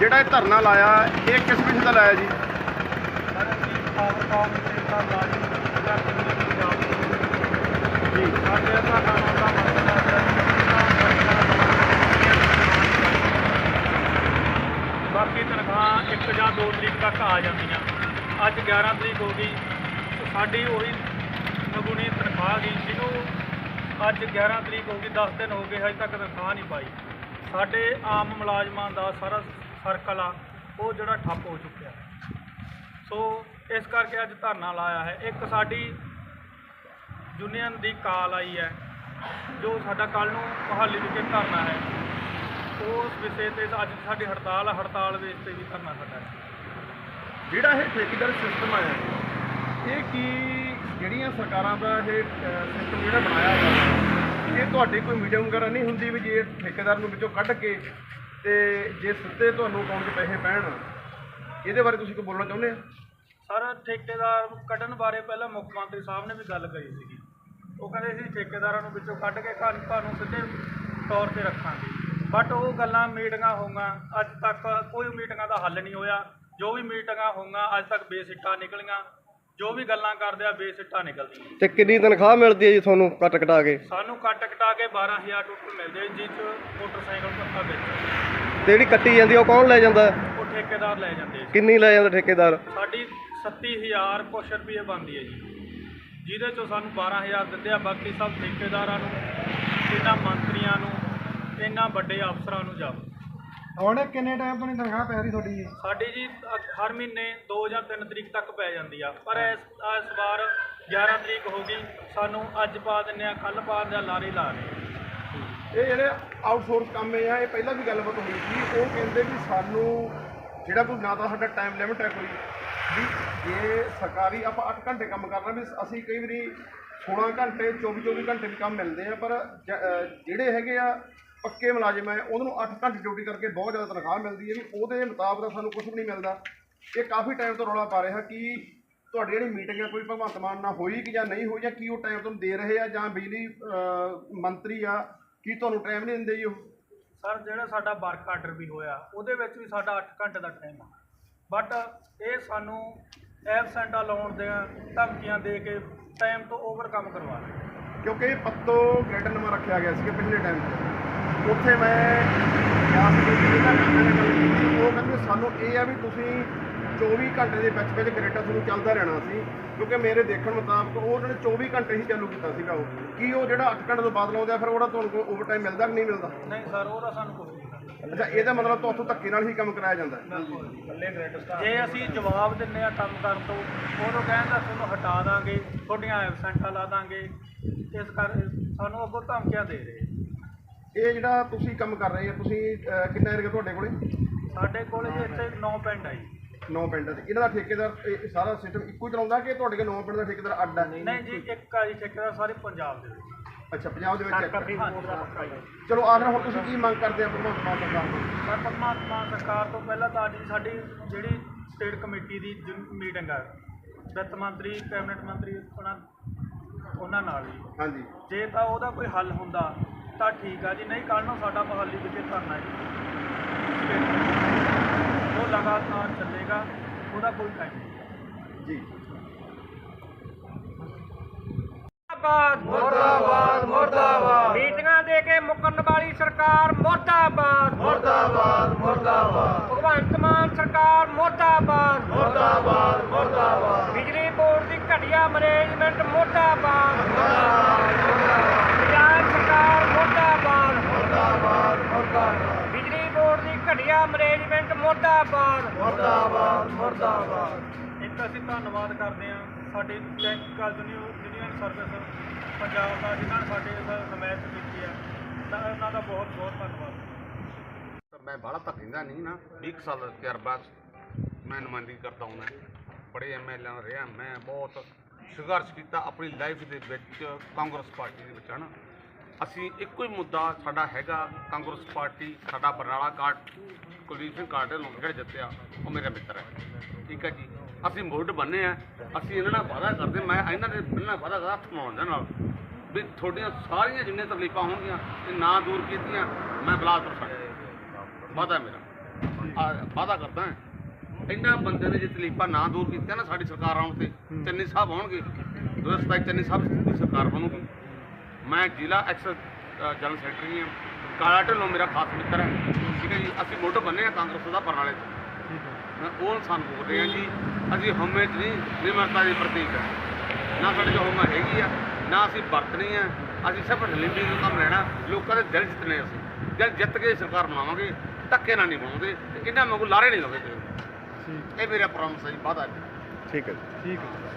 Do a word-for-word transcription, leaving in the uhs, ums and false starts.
ਜਿਹੜਾ ਇਹ ਧਰਨਾ ਲਾਇਆ ਇਹ ਕਿਸ ਵਿਸ਼ੇ ਦਾ ਲਾਇਆ ਜੀ? ਜੀ बाकी तनख्वाह एक या दो तरीक तक आ जांदियां। अज ग्यारह तरीक हो गई, साड़ी उही नगुनी तनख्वाह गई जिन्हों अज ग्यारह तरीक हो गई, दस दिन हो गए अज तक तनख्वाह नहीं पाई। साडे आम मुलाजमां दा सारा सर्कल आ वो जिहड़ा ठप्प हो चुकिया। सो इस करके अज धरना लाया है। एक साडी यूनियन दी कॉल आई है जो साडा कल नूं मोहाली विखे धरना है, उस विषय ते अज साडी हड़ताल है। हड़ताल विच ते भी धरना साडा है। ਜਿਹੜਾ ਇਹ ਠੇਕੇਦਾਰ ਸਿਸਟਮ ਆਇਆ ਇਹ ਕੀ ਜਿਹੜੀਆਂ ਸਰਕਾਰਾਂ ਦਾ ਇਹ ਸਿਸਟਮ ਜਿਹੜਾ ਬਣਾਇਆ ਹੋਇਆ ਇਹ ਤੁਹਾਡੀ ਕੋਈ ਮੀਟਿੰਗ ਵਗੈਰਾ ਨਹੀਂ ਹੁੰਦੀ ਵੀ ਜੇ ਠੇਕੇਦਾਰ ਨੂੰ ਵਿੱਚੋਂ ਕੱਢ ਕੇ ਤੇ ਜੇ ਸਿੱਧੇ ਤੁਹਾਨੂੰ ਅਕਾਊਂਟ 'ਚ ਪੈਸੇ ਪੈਣ, ਇਹਦੇ ਬਾਰੇ ਤੁਸੀਂ ਕੋਈ ਬੋਲਣਾ ਚਾਹੁੰਦੇ ਆ? ਸਰ ਠੇਕੇਦਾਰ ਕੱਢਣ ਬਾਰੇ ਪਹਿਲਾਂ ਮੁੱਖ ਮੰਤਰੀ ਸਾਹਿਬ ਨੇ ਵੀ ਗੱਲ ਕਰੀ ਸੀਗੀ। ਉਹ ਕਹਿੰਦੇ ਸੀ ਠੇਕੇਦਾਰਾਂ ਨੂੰ ਵਿੱਚੋਂ ਕੱਢ ਕੇ ਘਰ ਤੁਹਾਨੂੰ ਸਿੱਧੇ ਤੌਰ ਤੇ ਰੱਖਾਂਗੇ, ਬਟ ਉਹ ਗੱਲਾਂ ਮੀਟਿੰਗਾਂ ਹੋਈਆਂ ਅੱਜ ਤੱਕ ਕੋਈ ਮੀਟਿੰਗਾਂ ਦਾ ਹੱਲ ਨਹੀਂ ਹੋਇਆ। ਜੋ ਵੀ ਮੀਟਿੰਗਾਂ ਹੋਈਆਂ ਅੱਜ ਤੱਕ ਬੇਸਿੱਟਾ ਨਿਕਲੀਆਂ, ਜੋ ਵੀ ਗੱਲਾਂ ਕਰਦੇ ਆ ਬੇਸਿੱਟਾ ਨਿਕਲਦੀਆਂ। ਤੇ ਕਿੰਨੀ ਤਨਖਾਹ ਮਿਲਦੀ ਹੈ ਜੀ ਤੁਹਾਨੂੰ ਕੱਟ ਕਟਾ ਕੇ? ਸਾਨੂੰ ਕੱਟ ਕਟਾ ਕੇ ਬਾਰਾਂ ਹਜ਼ਾਰ ਟੋਟਲ ਮਿਲਦੇ ਜਿਸ 'ਚ ਮੋਟਰਸਾਈਕਲ ਪੱਕਾ ਵਿੱਚ ਤੇ ਜਿਹੜੀ ਕੱਟੀ ਜਾਂਦੀ ਉਹ ਕੌਣ ਲੈ ਜਾਂਦਾ? ਉਹ ਠੇਕੇਦਾਰ ਲੈ ਜਾਂਦੇ। ਕਿੰਨੀ ਲੈ ਜਾਂਦਾ ਠੇਕੇਦਾਰ? ਸਾਡੀ ਸੱਤੀ ਹਜ਼ਾਰ ਕੁਛ ਰੁਪਏ ਬਣਦੀ ਹੈ ਜੀ, ਜਿਹਦੇ 'ਚੋਂ ਸਾਨੂੰ ਬਾਰਾਂ ਹਜ਼ਾਰ ਦਿੰਦੇ ਆ। ਬਾਕੀ ਸਭ ਠੇਕੇਦਾਰਾਂ ਨੂੰ, ਇਹਨਾਂ ਮੰਤਰੀਆਂ ਨੂੰ, ਇਹਨਾਂ ਵੱਡੇ ਅਫਸਰਾਂ ਨੂੰ ਜਾਓ। ਹੁਣ ਕਿੰਨੇ ਟਾਈਮ ਤੋਂ ਨਹੀਂ ਤਨਖਾਹ ਪੈ ਰਹੀ ਤੁਹਾਡੀ? ਸਾਡੀ ਜੀ ਹਰ ਮਹੀਨੇ ਦੋ ਜਾਂ ਤਿੰਨ ਤਰੀਕ ਤੱਕ ਪੈ ਜਾਂਦੀ ਆ, ਪਰ ਇਸ ਇਸ ਵਾਰ ਗਿਆਰਾਂ ਤਰੀਕ ਹੋ ਗਈ। ਸਾਨੂੰ ਅੱਜ ਪਾ ਦਿੰਦੇ ਆ, ਕੱਲ੍ਹ ਪਾ ਦਿੰਦੇ ਆ, ਲਾਰੇ ਲਾ ਰਹੇ। ਇਹ ਜਿਹੜੇ ਆਊਟਸੋਰਸ ਕੰਮ ਇਹ ਆ ਇਹ ਪਹਿਲਾਂ ਵੀ ਗੱਲਬਾਤ ਹੋਈ ਸੀ। ਉਹ ਕਹਿੰਦੇ ਵੀ ਸਾਨੂੰ ਜਿਹੜਾ ਕੋਈ ਨਾ ਤਾਂ ਸਾਡਾ ਟਾਈਮ ਲਿਮਿਟ ਹੈ ਕੋਈ ਵੀ, ਜੇ ਸਰਕਾਰੀ ਆਪਾਂ ਅੱਠ ਘੰਟੇ ਕੰਮ ਕਰਨਾ ਵੀ ਅਸੀਂ ਕਈ ਵਾਰੀ ਸੋਲਾਂ ਘੰਟੇ ਚੌਵੀ ਚੌਵੀ ਘੰਟੇ ਵੀ ਕੰਮ ਮਿਲਦੇ ਆ, ਪਰ ਜਿਹੜੇ ਹੈਗੇ ਆ ਪੱਕੇ ਮੁਲਾਜ਼ਮ ਹੈ ਉਹਨਾਂ ਨੂੰ ਅੱਠ ਘੰਟੇ ਡਿਊਟੀ ਕਰਕੇ ਬਹੁਤ ਜ਼ਿਆਦਾ ਤਨਖਾਹ ਮਿਲਦੀ ਹੈ ਵੀ ਉਹਦੇ ਮੁਤਾਬਕ ਸਾਨੂੰ ਕੁਝ ਵੀ ਨਹੀਂ ਮਿਲਦਾ। ਇਹ ਕਾਫੀ ਟਾਈਮ ਤੋਂ ਰੌਲਾ ਪਾ ਰਿਹਾ ਕਿ ਤੁਹਾਡੀ ਜਿਹੜੀ ਮੀਟਿੰਗ ਹੈ ਕੋਈ ਭਗਵੰਤ ਮਾਨ ਨਾਲ ਹੋਈ ਕਿ ਜਾਂ ਨਹੀਂ ਹੋਈ, ਜਾਂ ਕੀ ਉਹ ਟਾਈਮ ਤੁਹਾਨੂੰ ਦੇ ਰਹੇ ਆ, ਜਾਂ ਬਿਜਲੀ ਮੰਤਰੀ ਆ ਕੀ ਤੁਹਾਨੂੰ ਟਾਈਮ ਨਹੀਂ ਦਿੰਦੇ ਜੀ ਉਹ? ਸਰ ਜਿਹੜਾ ਸਾਡਾ ਵਰਕ ਆਰਡਰ ਵੀ ਹੋਇਆ ਉਹਦੇ ਵਿੱਚ ਵੀ ਸਾਡਾ ਅੱਠ ਘੰਟੇ ਦਾ ਟਾਈਮ ਆ, ਬਟ ਇਹ ਸਾਨੂੰ ਐਬਸੈਂਟਾਂ ਲਾਉਣ ਦੀਆਂ ਧਮਕੀਆਂ ਦੇ ਕੇ ਟਾਈਮ ਤੋਂ ਓਵਰ ਕੰਮ ਕਰਵਾ ਰਹੇ। ਕਿਉਂਕਿ ਪੱਤੋ ਗ੍ਰੇਡ ਨਵਾਂ ਰੱਖਿਆ ਗਿਆ ਸੀ ਪਿਛਲੇ ਟਾਈਮ 'ਚ, ਉੱਥੇ ਮੈਂ ਗਿਆ ਸੀ ਜਿਹਨਾਂ ਕੰਮਾਂ ਨੇ ਗੱਲ ਕੀਤੀ। ਉਹ ਕਹਿੰਦੇ ਸਾਨੂੰ ਇਹ ਆ ਵੀ ਤੁਸੀਂ ਚੌਵੀ ਘੰਟੇ ਦੇ ਵਿੱਚ ਵਿੱਚ ਗ੍ਰੇਡਾਂ ਤੁਹਾਨੂੰ ਚੱਲਦਾ ਰਹਿਣਾ ਸੀ, ਕਿਉਂਕਿ ਮੇਰੇ ਦੇਖਣ ਮੁਤਾਬਕ ਉਹ ਉਹਨਾਂ ਨੇ ਚੌਵੀ ਘੰਟੇ ਹੀ ਚਾਲੂ ਕੀਤਾ ਸੀਗਾ। ਉਹ ਕੀ ਉਹ ਜਿਹੜਾ ਅੱਠ ਘੰਟੇ ਤੋਂ ਬਾਅਦ ਲਾਉਂਦੇ ਆ ਫਿਰ ਉਹਦਾ ਤੁਹਾਨੂੰ ਕੋਈ ਓਵਰ ਟਾਈਮ ਮਿਲਦਾ ਕਿ ਨਹੀਂ ਮਿਲਦਾ? ਨਹੀਂ ਸਰ, ਉਹਦਾ ਸਾਨੂੰ ਕੋਈ ਨਹੀਂ। ਅੱਛਾ, ਇਹਦਾ ਮਤਲਬ ਤੁਹਾਨੂੰ ਧੱਕੇ ਨਾਲ ਹੀ ਕੰਮ ਕਰਾਇਆ ਜਾਂਦਾ? ਜੇ ਅਸੀਂ ਜਵਾਬ ਦਿੰਦੇ ਆ ਕੰਮ ਕਰਨ ਤੋਂ, ਉਦੋਂ ਕਹਿੰਦਾ ਤੁਹਾਨੂੰ ਹਟਾ ਦਾਂਗੇ, ਤੁਹਾਡੀਆਂ ਐਬਸੈਂਟਾਂ ਲਾ ਦਾਂਗੇ। ਇਸ ਕਰ ਸਾਨੂੰ ਅੱਗੋਂ ਧਮਕੀਆਂ ਦੇ ਰਹੇ। ਇਹ ਜਿਹੜਾ ਤੁਸੀਂ ਕੰਮ ਕਰ ਰਹੇ ਆ ਤੁਸੀਂ ਕਿੰਨਾ ਏਰੀਆ ਤੁਹਾਡੇ ਕੋਲੇ? ਸਾਡੇ ਕੋਲ ਜੀ ਇੱਥੇ ਨੌ ਪਿੰਡ ਆ ਜੀ। ਨੌ ਪਿੰਡ ਆ। ਇਹਨਾਂ ਦਾ ਠੇਕੇਦਾਰ ਇਹ ਸਾਰਾ ਸਿਸਟਮ ਇੱਕੋ ਹੀ ਚਲਾਉਂਦਾ ਕਿ ਤੁਹਾਡੇ ਕੋਲ ਨੌ ਪਿੰਡ ਦਾ ਠੇਕੇਦਾਰ ਅੱਡ ਆ? ਨਹੀਂ ਜੀ, ਇੱਕ ਆ ਜੀ ਠੇਕੇਦਾਰ ਸਾਰੇ ਪੰਜਾਬ ਦੇ ਵਿੱਚ। ਅੱਛਾ, ਪੰਜਾਬ ਦੇ ਵਿੱਚ ਇੱਕ। ਹਾਂਜੀ। ਚਲੋ ਆਖਰ ਹੁਣ ਤੁਸੀਂ ਕੀ ਮੰਗ ਕਰਦੇ ਆ ਭਗਵੰਤ ਮਾਨ ਸਰਕਾਰ ਤੋਂ? ਸਰ ਭਗਵੰਤ ਮਾਨ ਸਰਕਾਰ ਤੋਂ ਪਹਿਲਾਂ ਤਾਂ ਅੱਜ ਸਾਡੀ ਜਿਹੜੀ ਸਟੇਟ ਕਮੇਟੀ ਦੀ ਮੀਟਿੰਗ ਹੈ ਵਿੱਤ ਮੰਤਰੀ, ਕੈਬਨਿਟ ਮੰਤਰੀ ਉਹਨਾਂ ਉਹਨਾਂ ਨਾਲ ਜੀ, ਹਾਂਜੀ, ਜੇ ਤਾਂ ਉਹਦਾ ਕੋਈ ਹੱਲ ਹੁੰਦਾ ਤਾਂ ਠੀਕ ਆ ਜੀ, ਨਹੀਂ ਕੱਲ੍ਹ ਨੂੰ ਸਾਡਾ ਮੁਹਾਲੀ ਵਿਖੇ ਧਰਨਾ ਜੀ ਉਹ ਲਗਾਤਾਰ ਚੱਲੇਗਾ, ਉਹਦਾ ਕੋਈ ਟਾਈਮ ਨਹੀਂ ਜੀ। ਮੁਰਦਾਬਾਦ ਮੁਰਦਾਬਾਦ। ਮੀਟਿੰਗਾਂ ਦੇ ਕੇ ਮੁਕਰਨ ਵਾਲੀ ਸਰਕਾਰ ਮੁਰਦਾਬਾਦ ਮੁਰਦਾਬਾਦ ਮੁਰਦਾਬਾਦ। ਭਗਵੰਤ ਮਾਨ ਸਰਕਾਰ ਮੁਰਦਾਬਾਦ ਮੁਰਦਾਬਾਦ ਮੁਰਦਾਬਾਦ। ਬਿਜਲੀ ਬੋਰਡ ਦੀ ਘਟੀਆ ਮੈਨੇਜਮੈਂਟ ਮੁਰਦਾਬਾਦ ਮੁਰਦਾਬਾਦ। ਪੰਜਾਬ ਸਰਕਾਰ ਮੁਰਦਾਬਾਦ ਮੁਰਦਾਬਾਦ ਮੁਰਦਾਬਾਦ। ਬਿਜਲੀ ਬੋਰਡ ਦੀ ਘਟੀਆ ਮੈਨੇਜਮੈਂਟ ਮੁਰਦਾਬਾਦ ਮੁਰਦਾਬਾਦ ਮੁਰਦਾਬਾਦ। ਇੱਕ ਅਸੀਂ ਧੰਨਵਾਦ ਕਰਦੇ ਹਾਂ ਸਾਡੀ ਟੈਕਨੀਕਲ ਯੂਨੀਅਨ ਸਰਵਿਸ ਪੰਜਾਬ ਦਾ, ਜਿਨ੍ਹਾਂ ਨੇ ਸਾਡੇ ਹਮਾਇਤ ਕੀਤੀ ਹੈ, ਤਾਂ ਉਹਨਾਂ ਦਾ ਬਹੁਤ ਬਹੁਤ ਧੰਨਵਾਦ। मैं बाला तक हिंदा नहीं ना, बीस साल तजर्बा मैं नुमाइंदगी करता हूँ। बड़े एम एल ए रहा, मैं बहुत संघर्ष किया अपनी लाइफ के कांग्रेस पार्टी के है ना। असी एको ही मुद्दा साडा हैगा कांग्रेस पार्टी, साडा बरनाला कार्ड कुलदीप सिंह कार्ड लोग जितया वो मेरा मित्र है, ठीक है जी। असी मुड बने हैं, असी इन्होंने वादा करते, मैं इन्होंने बिना वादा करता हथ मिलाने भी थोड़िया सारिया जिन्हें तकलीफा होंगे ना दूर कीतियां मैं बिलासपुर छड्ड वादा मेरा। ਵਾਅਦਾ ਕਰਦਾ ਇਹਨਾਂ ਬੰਦੇ ਨੇ ਜੇ ਤਕਲੀਫਾਂ ਨਾ ਦੂਰ ਕੀਤੀਆਂ ਨਾ ਸਾਡੀ ਸਰਕਾਰ ਆਉਣ ਤੇ ਚੰਨੀ ਸਾਹਿਬ ਆਉਣਗੇ ਦੋ ਹਜ਼ਾਰ ਸਤਾਈ ਚੰਨੀ ਸਾਹਿਬ ਦੀ ਸਰਕਾਰ ਬਣੂਗੀ। ਮੈਂ ਜ਼ਿਲ੍ਹਾ ਐਕਸ ਜਨਰਲ ਸੈਕਟਰੀ ਹਾਂ। ਕਾਲਾ ਢਿੱਲੋਂ ਮੇਰਾ ਖਾਸ ਮਿੱਤਰ ਹੈ, ਠੀਕ ਹੈ ਜੀ। ਅਸੀਂ ਮੁੱਢ ਬੰਨੇ ਆ ਕਾਂਗਰਸ ਦਾ ਬਰਨਾਲੇ ਤੋਂ, ਮੈਂ ਉਹ ਇਨਸਾਨ ਬੋਲ ਰਹੇ ਹਾਂ ਜੀ। ਅਸੀਂ ਹਉਮੈ 'ਚ ਨਹੀਂ, ਨਿਮਰਤਾ ਦੀ ਪ੍ਰਤੀਕ ਹੈ, ਨਾ ਸਾਡੇ 'ਚ ਹਉਮੈ ਹੈਗੀ ਆ, ਨਾ ਅਸੀਂ ਵਰਤਣੀ ਆ। ਅਸੀਂ ਸਿਰਫ ਹਲੀਮੀ ਦਾ ਕੰਮ ਲੈਣਾ, ਲੋਕਾਂ ਦੇ ਦਿਲ ਜਿੱਤਣੇ। ਅਸੀਂ ਦਿਲ ਜਿੱਤ ਕੇ ਸਰਕਾਰ ਬਣਾਵਾਂਗੇ, ਧੱਕੇ ਨਾਲ ਨਹੀਂ ਬਣਾਉਂਦੇ, ਇਹਨਾਂ ਵਾਂਗੂ ਲਾਰੇ ਨਹੀਂ ਲਾਉਂਦੇ। ਇਹ ਮੇਰਾ ਪ੍ਰੋਮਿਸ ਹੈ ਜੀ, ਵਾਅਦਾ। ਠੀਕ ਹੈ ਜੀ, ਠੀਕ ਹੈ।